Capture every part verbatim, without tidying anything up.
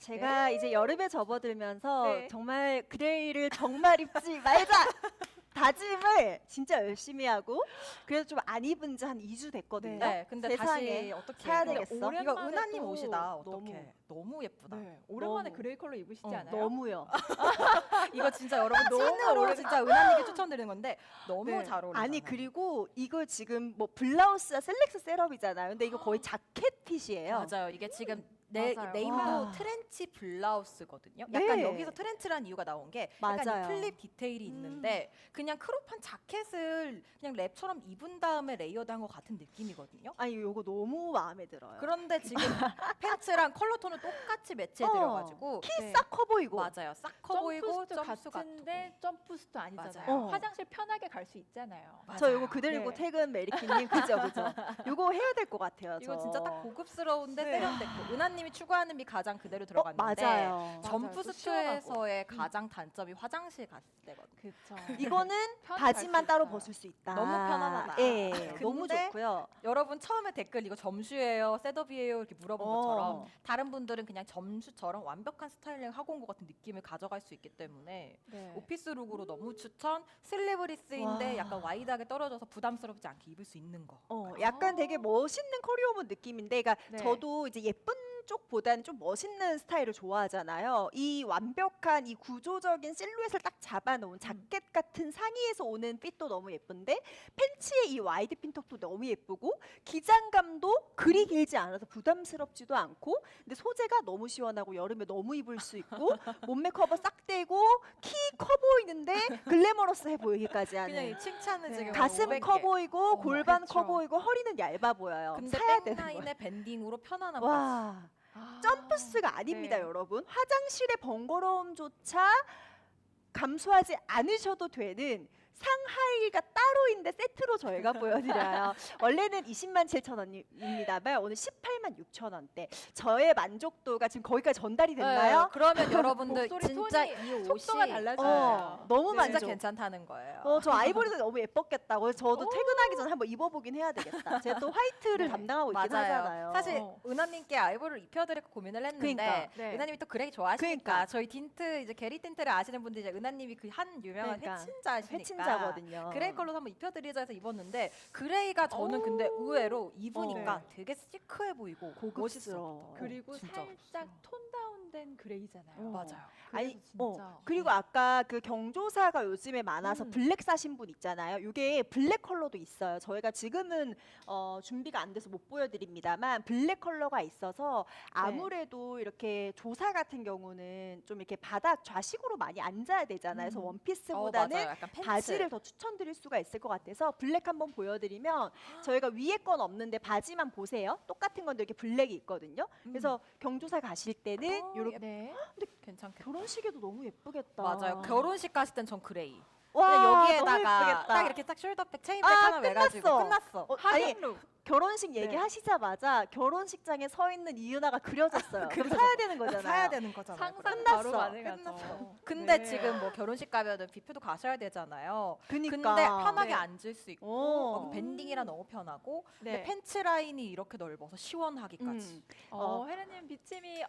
제가 이제 여름에 접어들면서 네. 정말 그레이를 정말 입지 말자 다짐을 진짜 열심히 하고 그래서 좀 안 입은 지 한 이 주 됐거든요. 네, 근데 세상에 다시 어떻게 사야 근데 되겠어. 이거 오랜만에 은하님 또 옷이다. 너무, 어떻게? 너무 예쁘다. 네, 오랜만에 너무. 그레이 컬러 입으시지 어, 않아요? 너무요. 이거 진짜 여러분 너무 찐으로 오래- 진짜 은하님께 추천드리는 건데 너무 네. 잘 어울리잖아요. 아니 그리고 이거 지금 뭐 블라우스와 슬랙스 셋업이잖아요. 근데 이거 거의 자켓 핏이에요. 맞아요. 이게 지금 네, 맞아요. 네임도 와. 트렌치 블라우스거든요. 약간 네. 여기서 트렌치란 이유가 나온 게 약간 맞아요. 이 플립 디테일이 있는데 그냥 크롭한 자켓을 그냥 랩처럼 입은 다음에 레이어드한 것 같은 느낌이거든요. 아니 이거 너무 마음에 들어요. 그런데 지금 팬츠랑 컬러 톤을 똑같이 매치해드려가지고 키 네. 싹 커 보이고. 맞아요. 싹 커 보이고 점프스도 점수 같은데 같고. 점프스도 아니잖아요. 맞아요. 어. 화장실 편하게 갈 수 있잖아요. 저 맞아요. 이거 그대로 입고 네. 퇴근 메리키님 그죠 그죠. 이거 해야 될 것 같아요. 이거 저. 진짜 딱 고급스러운데 네. 세련됐고 은하님이 추구하는 미 가장 그대로 어, 들어갔는데 맞아요. 점프스트에서의 가장 단점이 화장실 갔을 때거든요. 그렇죠. 이거는 편히 바지만 갈수 따로 있어요. 벗을 수 있다. 너무 편안하다. 예, 근데 너무 좋고요. 여러분 처음에 댓글 이거 점슈예요, 셋업이에요 이렇게 물어본 어. 것처럼 다른 분들은 그냥 점슈처럼 완벽한 스타일링 하고 온 것 같은 느낌을 가져갈 수 있기 때문에 네. 오피스 룩으로 너무 추천. 슬리브리스인데 와. 약간 와이드하게 떨어져서 부담스럽지 않게 입을 수 있는 거. 어, 약간 되게 멋있는 커리어문 느낌인데, 그러니까 네. 저도 이제 예쁜 쪽보다는 좀 멋있는 스타일을 좋아하잖아요. 이 완벽한 이 구조적인 실루엣을 딱 잡아놓은 자켓 같은 상의에서 오는 핏도 너무 예쁜데 팬츠의 이 와이드 핀턱도 너무 예쁘고 기장감도 그리 길지 않아서 부담스럽지도 않고 근데 소재가 너무 시원하고 여름에 너무 입을 수 있고 몸매 커버 싹 되고 키 커 보이는데 글래머러스해 보이기까지 그냥 하는 이 칭찬을 네. 지금 가슴 오백 커 개. 보이고 어머, 골반 커 그쵸. 보이고 허리는 얇아 보여요. 근데 사야 되는 거예요. 백라인의 밴딩으로 편안한 바지. 와. 아, 점프스가 아닙니다, 네. 여러분. 화장실의 번거로움조차 감수하지 않으셔도 되는 상하이가 따로인데 세트로 저희가 보여드려요. 원래는 이십만 칠천 원입니다만 오늘 십팔만 육천 원대. 저의 만족도가 지금 거기까지 전달이 네, 됐나요? 그러면 여러분들 목소리 진짜 톤이 이 옷이 속도가 달라져요. 어, 너무 네. 진짜 만족. 괜찮다는 거예요. 어, 저 아이보리도 너무 예뻤겠다고. 그래서 저도 오. 퇴근하기 전에 한번 입어보긴 해야 되겠다. 제가 또 화이트를 네. 담당하고 있긴 맞아요. 하잖아요. 사실 어. 은하님께 아이보리를 입혀드릴까 고민을 했는데 그러니까. 네. 은하님이 또 그레이 좋아하시니까 그러니까. 저희 틴트 이제 게리 틴트를 아시는 분들이 이제 은하님이 그 한 유명한 그러니까. 회친자시니까 회친자거든요. 그레이 컬러로 한번 입혀드리자 해서 입었는데 그레이가 저는 오. 근데 의외로 입으니까 어. 되게 시크해 보이고 고급스러워. 멋있어. 그리고 진짜 살짝 톤 다운된 그레이잖아요. 어. 맞아요. 아니, 그래서 진짜 어, 그리고 아까 그 경조사가 요즘에 많아서 음. 블랙 사신 분 있잖아요. 이게 블랙 컬러도 있어요. 저희가 지금은 어, 준비가 안 돼서 못 보여드립니다만 블랙 컬러가 있어서 아무래도 이렇게 조사 같은 경우는 좀 이렇게 바닥 좌식으로 많이 앉아야 되잖아요. 그래서 음. 어, 원피스보다는 맞아요. 약간 팬츠. 바지를 더 추천드릴 수가 있을 것 같아서 블랙 한번 보여드리면 저희가 위에 건 없는데 바지만 보세요. 똑같은 건데 이렇게 블랙이 있거든요. 그래서 경조사 가실 때는 어, 이렇게 네. 괜찮겠다. 결혼식에도 너무 예쁘겠다. 맞아요. 결혼식 갔을 땐 전 그레이. 와, 그냥 너무 여기에다가 예쁘겠다. 딱 이렇게 딱 숄더백, 체인백 아, 하나 매가지고 끝났어. 끝났어. 어, 아니 하객룩. 결혼식 네. 얘기하시자마자 결혼식장에 서 있는 이은하가 그려졌어요. 그럼 그려졌어. 사야 되는 거잖아요. 사야 되는 거잖아요. 상상 그럼. 바로 끝났어. 가능하죠. 끝났어. 근데 네. 지금 뭐 결혼식 가면은 뷔페도 가셔야 되잖아요. 그니까. 근데 편하게 네. 앉을 수 있고 어. 어, 밴딩이라 너무 편하고 네. 근데 팬츠 라인이 이렇게 넓어서 시원하기까지. 음. 어, 혜라님 비침이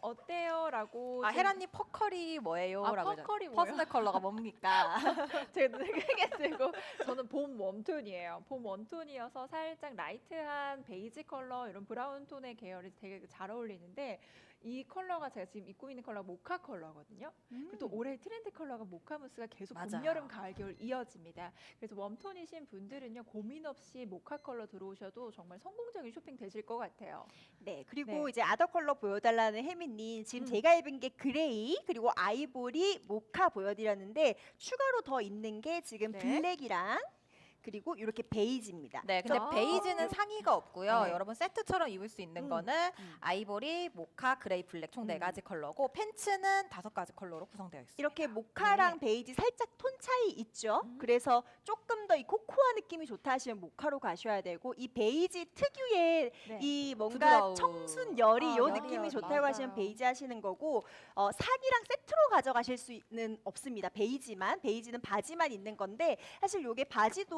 어때요?라고 아 헤라님 퍼컬이 뭐예요? 아, 라고 퍼컬이 하잖아요. 뭐예요? 퍼스널 컬러가 뭡니까? 제가 눈을 크게 뜨고 저는 봄 웜톤이에요. 봄 웜톤이어서 살짝 라이트한 베이지 컬러 이런 브라운 톤의 계열이 되게 잘 어울리는데 이 컬러가 제가 지금 입고 있는 컬러가 모카 컬러거든요. 그리고 또 올해 트렌드 컬러가 모카 무스가 계속 봄, 맞아요. 여름, 가을, 겨울 이어집니다. 그래서 웜톤이신 분들은요 고민 없이 모카 컬러 들어오셔도 정말 성공적인 쇼핑 되실 것 같아요. 네, 그리고 네. 이제 아더 컬러 보여달라는 혜민님 지금 음. 제가 입은 게 그레이 그리고 아이보리 모카 보여드렸는데 추가로 더 있는 게 지금 네. 블랙이랑 그리고 이렇게 베이지입니다. 네, 근데 아. 베이지는 상의가 없고요. 네. 여러분 세트처럼 입을 수 있는 음. 거는 음. 아이보리, 모카, 그레이, 블랙 총 네 음. 가지 컬러고 팬츠는 다섯 가지 컬러로 구성되어 있습니다. 이렇게 모카랑 베이지 살짝 톤 차이 있죠. 음. 그래서 조금 더 이 코코아 느낌이 좋다 하시면 모카로 가셔야 되고 이 베이지 특유의 네. 이 뭔가 부드러움. 청순 열이 아, 요 열이, 느낌이 열이. 좋다고 하시면 맞아요. 베이지 하시는 거고 어, 상의랑 세트로 가져가실 수는 없습니다. 베이지만 베이지는 바지만 있는 건데 사실 요게 바지도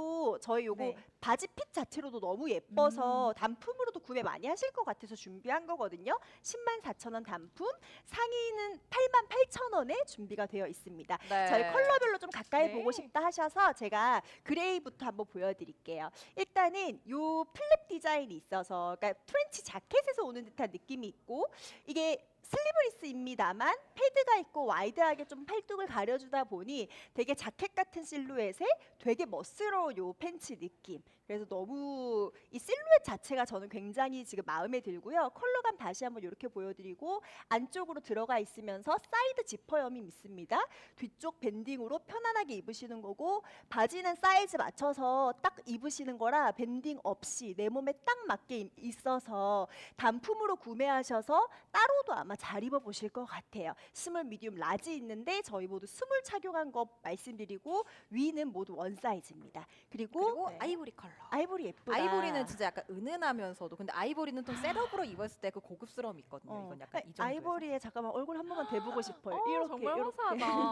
핏도 저희 요거 네. 바지 핏 자체로도 너무 예뻐서 단품으로도 구매 많이 하실 것 같아서 준비한 거거든요. 십만 사천 원 단품, 상의는 팔만 팔천 원에 준비가 되어 있습니다. 네. 저희 컬러별로 좀 가까이 네. 보고 싶다 하셔서 제가 그레이부터 한번 보여드릴게요. 일단은 요 플립 디자인이 있어서 그러니까 프렌치 자켓에서 오는 듯한 느낌이 있고 이게 슬리브리스입니다만 패드가 있고 와이드하게 좀 팔뚝을 가려주다 보니 되게 자켓 같은 실루엣에 되게 멋스러운 요 팬츠 느낌. 그래서 너무 이 실루엣 자체가 저는 굉장히 지금 마음에 들고요. 컬러감 다시 한번 이렇게 보여드리고 안쪽으로 들어가 있으면서 사이드 지퍼염이 있습니다. 뒤쪽 밴딩으로 편안하게 입으시는 거고 바지는 사이즈 맞춰서 딱 입으시는 거라 밴딩 없이 내 몸에 딱 맞게 이- 있어서 단품으로 구매하셔서 따로도 아마 잘 입어보실 것 같아요. 스몰, 미디움, 라지 있는데 저희 모두 스몰 착용한 거 말씀드리고 위는 모두 원 사이즈입니다. 그리고, 그리고 네. 아이보리 컬러. 아이보리 예쁘다. 아이보리는 진짜 약간 은은하면서도 근데 아이보리는 좀 셋업으로 입었을 때 그 고급스러움이 있거든요. 어, 이건 약간 이 정도. 아이보리에 잠깐만 얼굴 한 번만 대보고 싶어요. 어, 이렇게 정말 이렇게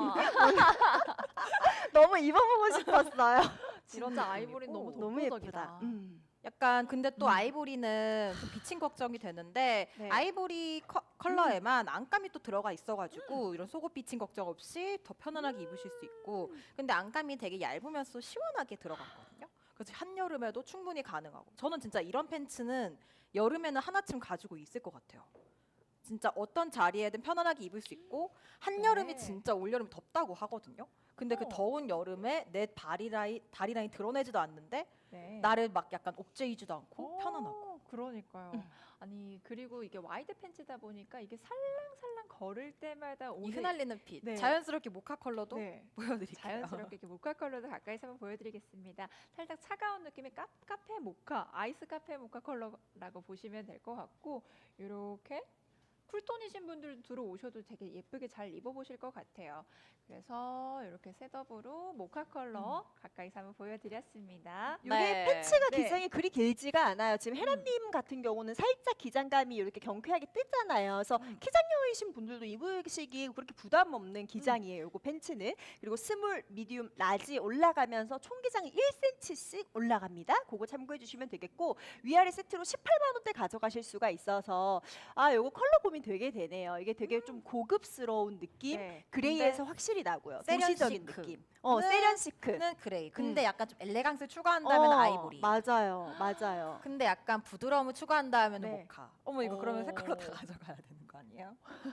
화사하다. 너무 입어보고 싶었어요. 진짜 느낌이고. 아이보리는 너무 너무 독보적이다. 예쁘다. 음. 약간 근데 또 음. 아이보리는 좀 비친 걱정이 되는데 네. 아이보리 커, 컬러에만 안감이 또 들어가 있어가지고 이런 속옷 비친 걱정 없이 더 편안하게 입으실 수 있고 근데 안감이 되게 얇으면서 시원하게 들어갔거든요. 그래서 한여름에도 충분히 가능하고 저는 진짜 이런 팬츠는 여름에는 하나쯤 가지고 있을 것 같아요. 진짜 어떤 자리에든 편안하게 입을 수 있고 한여름이 네. 진짜 올여름 덥다고 하거든요. 근데 그 어. 더운 여름에 내 다리 라인 다리 라인 드러내지도 않는데 네. 나를 막 약간 옥죄이지도 않고 어, 편안하고. 그러니까요. 음. 아니 그리고 이게 와이드 팬츠다 보니까 이게 살랑살랑 걸을 때마다 이 오는 휘날리는 빛. 네. 자연스럽게 모카 컬러도 네. 보여드릴게요. 자연스럽게 이렇게 모카 컬러도 가까이서 한번 보여드리겠습니다. 살짝 차가운 느낌의 카, 카페 모카, 아이스 카페 모카 컬러라고 보시면 될 것 같고 이렇게 쿨톤이신 분들 들어오셔도 되게 예쁘게 잘 입어보실 것 같아요. 그래서 이렇게 셋업으로 모카 컬러 가까이서 한번 보여드렸습니다. 이게 네. 팬츠가 네. 기장이 그리 길지가 않아요. 지금 헤라님 같은 경우는 살짝 기장감이 이렇게 경쾌하게 뜨잖아요. 그래서 음. 키장녀이신 분들도 입으시기 그렇게 부담 없는 기장이에요. 이거 팬츠는. 그리고 스몰, 미디움, 라지 올라가면서 총 기장이 일 센티미터씩 올라갑니다. 그거 참고해 주시면 되겠고 위아래 세트로 십팔만 원대 가져가실 수가 있어서 아, 요거 컬러 고민 되게 되네요. 이게 되게 좀 고급스러운 느낌. 네. 그레이에서 확실히 나고요. 세련 도시적인 시크. 느낌. 어, 는- 세련 시크. 는 그레이. 근데 음. 약간 좀 엘레강스 추가한다면 어, 아이보리. 맞아요. 맞아요. 근데 약간 부드러움을 추가한다면 네. 모카. 어머 이거 그러면 세 컬러 다 오. 가져가야 되는 거 아니에요?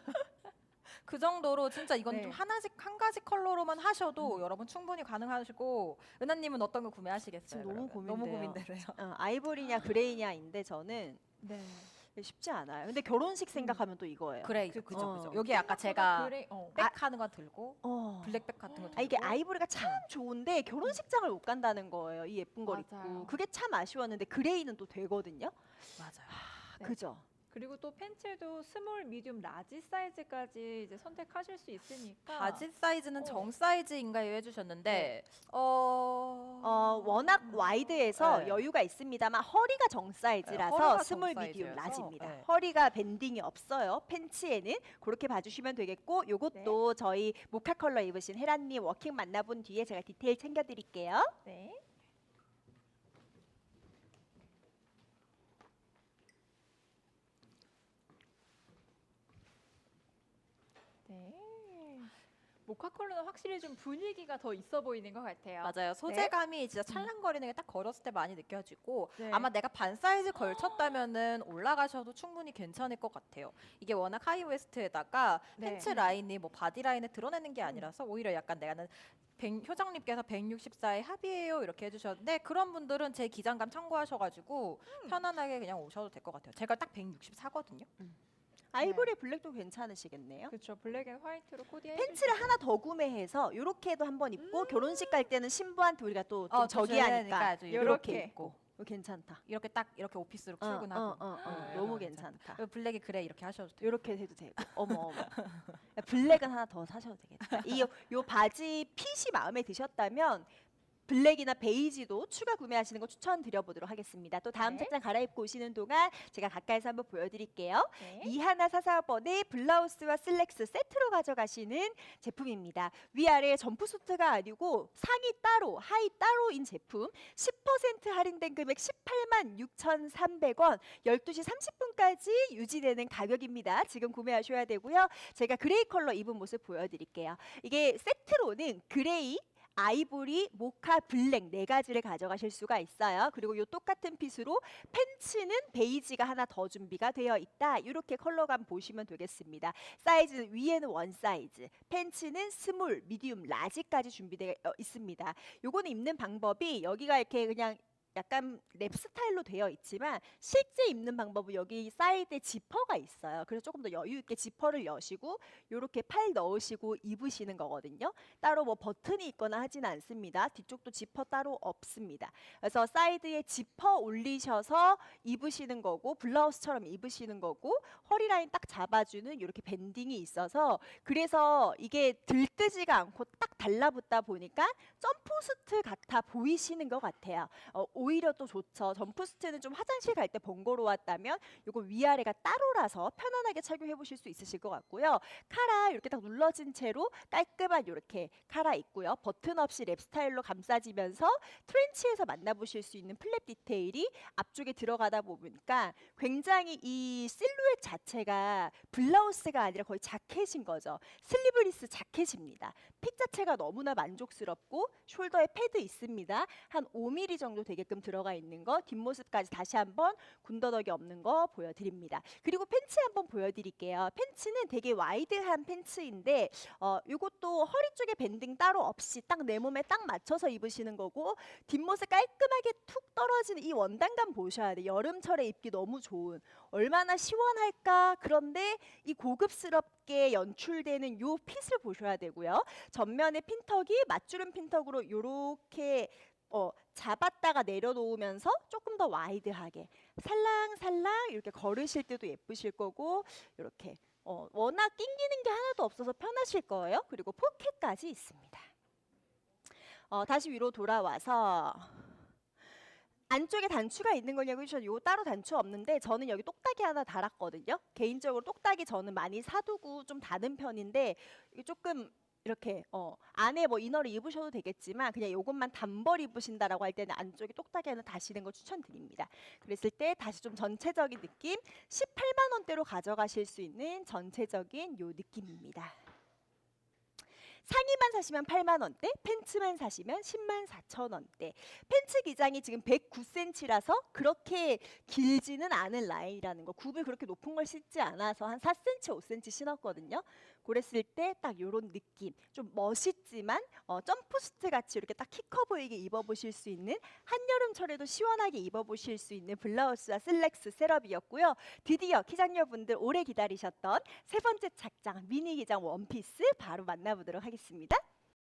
그 정도로 진짜 이건 네. 좀 하나씩 한 가지 컬러로만 하셔도 여러분 충분히 가능하시고 은하님은 어떤 거 구매하시겠어요? 지금 너무 그러면? 고민돼요. 너무 고민되네요. 어, 아이보리냐 그레이냐인데 저는 네. 쉽지 않아요. 근데 결혼식 생각하면 또 이거예요. 그레이죠, 그쵸. 그죠, 어. 그죠. 여기 아까 제가 그레이, 어. 백하는 거 들고 어. 블랙백 같은 거 들고. 아, 이게 아이보리가 참 좋은데 결혼식장을 못 간다는 거예요. 이 예쁜 걸 맞아요. 입고. 그게 참 아쉬웠는데 그레이는 또 되거든요. 맞아요. 네. 그죠? 그리고 또 팬츠도 스몰, 미디움, 라지 사이즈까지 이제 선택하실 수 있으니까 바지 사이즈는 어. 정 사이즈인가요 해주셨는데 어... 어, 워낙 와이드해서 네. 여유가 있습니다만 허리가 정 사이즈라서 네, 허리가 스몰, 정 미디움, 사이즈여서, 라지입니다. 네. 허리가 밴딩이 없어요. 팬츠에는 그렇게 봐주시면 되겠고 요것도 저희 모카 컬러 입으신 헤라님 워킹 만나본 뒤에 제가 디테일 챙겨드릴게요. 네. 네. 모카 컬러는 확실히 좀 분위기가 더 있어 보이는 것 같아요. 맞아요. 소재감이 진짜 찰랑거리는 게 딱 걸었을 때 많이 느껴지고 네. 아마 내가 반 사이즈 걸쳤다면은 올라가셔도 충분히 괜찮을 것 같아요. 이게 워낙 하이웨스트에다가 네. 팬츠 라인이 뭐 바디 라인에 드러내는 게 아니라서 오히려 약간 내가는 백, 효정님께서 백육십사에 합의해요 이렇게 해주셨는데 그런 분들은 제 기장감 참고하셔가지고 편안하게 그냥 오셔도 될 것 같아요. 제가 딱 백육십사거든요. 아이보리 블랙도 괜찮으시겠네요. 그렇죠. 블랙 앤 화이트로 코디해 팬츠를 하나 더 구매해서 이렇게도 한번 입고 결혼식 갈 때는 신부한테 우리가 또 좀 어, 또 저기하니까 줘야 되니까 이렇게 이렇게. 입고 이거 괜찮다. 이렇게 딱 이렇게 오피스룩 어, 출근하고 어, 어, 어, 네, 너무 이거 괜찮다. 그리고 블랙이 그래 이렇게 하셔도 돼요. 이렇게 해도 되고 어머 어머 블랙은 하나 더 사셔도 되겠다. 이 요 바지 핏이 마음에 드셨다면 블랙이나 베이지도 추가 구매하시는 거 추천드려보도록 하겠습니다. 또 다음 네. 착장 갈아입고 오시는 동안 제가 가까이서 한번 보여드릴게요. 네. 이하나사사 번의 블라우스와 슬랙스 세트로 가져가시는 제품입니다. 위아래 점프수트가 아니고 상의 따로, 하의 따로인 제품. 십 퍼센트 할인된 금액 십팔만 육천삼백 원, 열두 시 삼십 분까지 유지되는 가격입니다. 지금 구매하셔야 되고요. 제가 그레이 컬러 입은 모습 보여드릴게요. 이게 세트로는 그레이, 아이보리, 모카, 블랙 네 가지를 가져가실 수가 있어요. 그리고 이 똑같은 핏으로 팬츠는 베이지가 하나 더 준비가 되어 있다. 이렇게 컬러감 보시면 되겠습니다. 사이즈는 위에는 원 사이즈, 팬츠는 스몰, 미디움, 라지까지 준비되어 있습니다. 요거는 입는 방법이 여기가 이렇게 그냥 약간 랩 스타일로 되어 있지만 실제 입는 방법은 여기 사이드에 지퍼가 있어요. 그래서 조금 더 여유 있게 지퍼를 여시고 이렇게 팔 넣으시고 입으시는 거거든요. 따로 뭐 버튼이 있거나 하진 않습니다. 뒤쪽도 지퍼 따로 없습니다. 그래서 사이드에 지퍼 올리셔서 입으시는 거고 블라우스처럼 입으시는 거고 허리 라인 딱 잡아주는 이렇게 밴딩이 있어서 그래서 이게 들뜨지가 않고 딱 달라붙다 보니까 점프수트 같아 보이시는 것 같아요. 어, 오히려 또 좋죠. 점프수트는 좀 화장실 갈 때 번거로웠다면 이거 위아래가 따로라서 편안하게 착용해 보실 수 있으실 것 같고요. 카라 이렇게 딱 눌러진 채로 깔끔한 이렇게 카라 있고요. 버튼 없이 랩 스타일로 감싸지면서 트렌치에서 만나보실 수 있는 플랩 디테일이 앞쪽에 들어가다 보니까 굉장히 이 실루엣 자체가 블라우스가 아니라 거의 자켓인 거죠. 슬리브리스 자켓입니다. 핏 자체가 너무나 만족스럽고 숄더에 패드 있습니다. 한 오 밀리미터 정도 되게끔 들어가 있는 거 뒷모습까지 다시 한번 군더더기 없는 거 보여드립니다. 그리고 팬츠 한번 보여드릴게요. 팬츠는 되게 와이드한 팬츠인데 어, 이것도 허리 쪽에 밴딩 따로 없이 딱 내 몸에 딱 맞춰서 입으시는 거고 뒷모습 깔끔하게 툭 떨어지는 이 원단감 보셔야 돼요. 여름철에 입기 너무 좋은 얼마나 시원할까. 그런데 이 고급스럽게 연출되는 요 핏을 보셔야 되고요. 전면에 핀턱이 맞주름 핀턱으로 이렇게 어, 잡았다가 내려놓으면서 조금 더 와이드하게 살랑살랑 이렇게 걸으실 때도 예쁘실 거고 이렇게 어, 워낙 낑기는 게 하나도 없어서 편하실 거예요. 그리고 포켓까지 있습니다. 어, 다시 위로 돌아와서 안쪽에 단추가 있는 거냐고 해주셔서 요 따로 단추 없는데 저는 여기 똑딱이 하나 달았거든요. 개인적으로 똑딱이 저는 많이 사두고 좀 다는 편인데 이게 조금 이렇게 어, 안에 뭐 이너를 입으셔도 되겠지만 그냥 요것만 단벌 입으신다라고 할 때는 안쪽에 똑딱이 하나 다시는 거 추천드립니다. 그랬을 때 다시 좀 전체적인 느낌 십팔만 원대로 가져가실 수 있는 전체적인 요 느낌입니다. 상의만 사시면 팔만 원대, 팬츠만 사시면 십만 사천 원대. 팬츠 기장이 지금 백구 센티미터라서 그렇게 길지는 않은 라인이라는 거. 굽을 그렇게 높은 걸 신지 않아서 한 사 센티미터, 오 센티미터 신었거든요. 그랬을 때 딱 이런 느낌. 좀 멋있지만 어, 점프수트 같이 이렇게 딱 키 커 보이게 입어보실 수 있는 한여름철에도 시원하게 입어보실 수 있는 블라우스와 슬랙스 셋업이었고요. 드디어 기장녀분들 오래 기다리셨던 세 번째 착장 미니 기장 원피스 바로 만나보도록 하겠습니다.